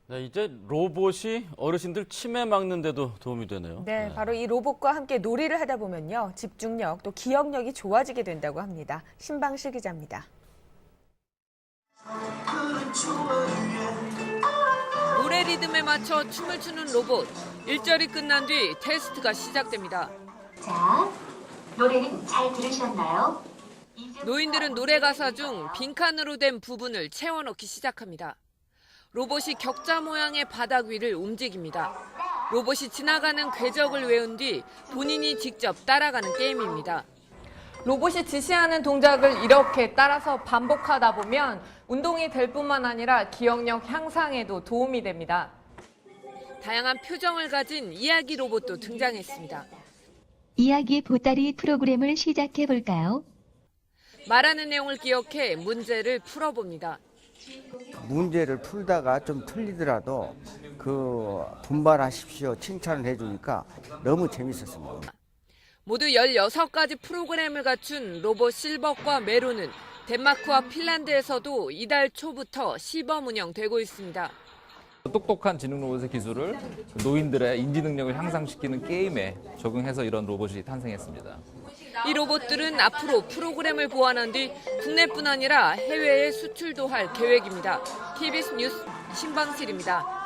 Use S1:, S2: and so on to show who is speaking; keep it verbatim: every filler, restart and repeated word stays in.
S1: 네, 이제 로봇이 어르신들 치매 막는 데도 도움이 되네요.
S2: 네,
S1: 네.
S2: 바로 이 로봇과 함께 놀이를 하다 보면요. 집중력 또 기억력이 좋아지게 된다고 합니다. 신방실 기자입니다.
S3: 노래 리듬에 맞춰 춤을 추는 로봇. 일절이 끝난 뒤 테스트가 시작됩니다.
S4: 자, 노래는 잘 들으셨나요?
S3: 노인들은 노래 가사 중 빈칸으로 된 부분을 채워넣기 시작합니다. 로봇이 격자 모양의 바닥 위를 움직입니다. 로봇이 지나가는 궤적을 외운 뒤 본인이 직접 따라가는 게임입니다. 로봇이 지시하는 동작을 이렇게 따라서 반복하다 보면 운동이 될 뿐만 아니라 기억력 향상에도 도움이 됩니다. 다양한 표정을 가진 이야기 로봇도 등장했습니다.
S5: 이야기 보따리 프로그램을 시작해 볼까요?
S3: 말하는 내용을 기억해 문제를 풀어봅니다.
S6: 문제를 풀다가 좀 틀리더라도 그 분발하십시오 칭찬을 해주니까 너무 재밌었습니다.
S3: 모두 열여섯 가지 프로그램을 갖춘 로봇 실버과 메로는 덴마크와 핀란드에서도 이달 초부터 시범 운영되고 있습니다.
S7: 똑똑한 지능 로봇의 기술을 노인들의 인지 능력을 향상시키는 게임에 적용해서 이런 로봇이 탄생했습니다.
S3: 이 로봇들은 앞으로 프로그램을 보완한 뒤 국내뿐 아니라 해외에 수출도 할 계획입니다. 티비에스 뉴스 신방실입니다.